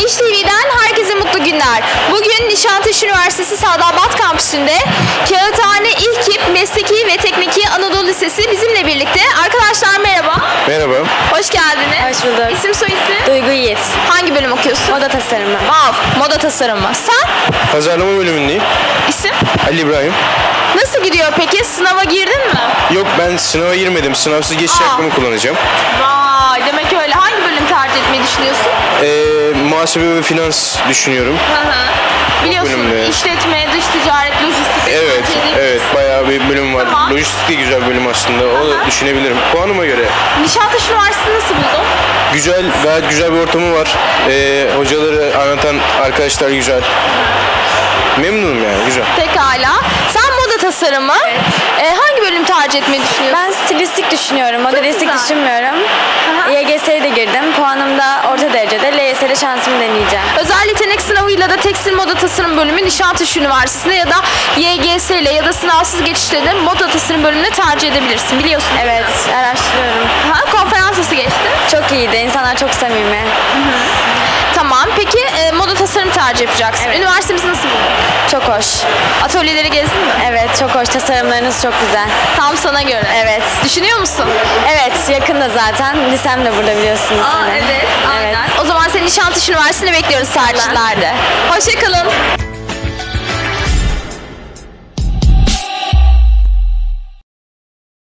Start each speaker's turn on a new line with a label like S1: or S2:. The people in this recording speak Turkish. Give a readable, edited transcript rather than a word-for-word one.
S1: Niş TV'den herkese mutlu günler. Bugün Nişantaşı Üniversitesi Sadabat Kampüsü'nde Kağıthane İlkip Mesleki ve Tekniki Anadolu Lisesi bizimle birlikte. Arkadaşlar merhaba.
S2: Merhaba.
S1: Hoş geldiniz.
S3: Hoş bulduk.
S1: İsim soyisim?
S3: Duygu Yiğit.
S1: Hangi bölüm okuyorsun?
S3: Moda tasarımı.
S1: Wow, moda tasarımı. Sen?
S2: Pazarlama bölümündeyim.
S1: İsim?
S2: Ali İbrahim.
S1: Nasıl gidiyor peki? Sınava girdin mi?
S2: Yok, ben sınava girmedim. Sınavsız geçiş hakkımı kullanacağım.
S1: Vay, demek öyle. Hangi bölüm tercih etmeyi düşünüyorsun?
S2: Muhasebe ve finans düşünüyorum.
S1: Biliyorsun
S2: bölümde.
S1: işletme, dış ticaret, lojistik.
S2: Evet,
S1: tercih edilmiş.
S2: evet. Bayağı bir bölüm var.
S1: Tamam.
S2: Lojistik de güzel bir bölüm aslında. O da düşünebilirim. Puanıma göre.
S1: Nişantaşı Üniversitesi nasıl buldun?
S2: Güzel, gayet güzel bir ortamı var. Hocaları anlatan arkadaşlar güzel. Memnunum yani, güzel.
S1: Pekala. Sen moda tasarımı. Hangi bölüm tercih etmeyi düşünüyorsun?
S3: Ben stilistik düşünüyorum. Modelistik
S1: güzel.
S3: düşünmüyorum. YGS'ye de girdim. Puanım da orta derecede. LYS'de şansımı deneyeceğim.
S1: Özel yetenek sınavıyla da tekstil moda tasarım bölümü Nişantaşı Üniversitesi'nde ya da YGS ile ya da sınavsız geçişle de moda tasarım bölümünü tercih edebilirsin. Biliyorsun.
S3: Evet, araştırıyorum.
S1: Konferans nasıl geçti?
S3: Çok iyiydi. İnsanlar çok samimi.
S1: Tamam. Peki moda tasarım tercih yapacaksın.
S3: Evet.
S1: Üniversitemiz nasıl buldun?
S3: Çok hoş.
S1: Atölyeleri gezdin mi?
S3: Evet, çok hoş. Tasarımlarınız çok güzel.
S1: Tam sana göre.
S3: Evet.
S1: Düşünüyor musun?
S3: Evet, yakında zaten. Lisem de burada biliyorsunuz.
S1: Evet. Aynen. O zaman seni Nişantaşı Üniversitesi'ne bekliyoruz tercihlerde. Hoşça kalın.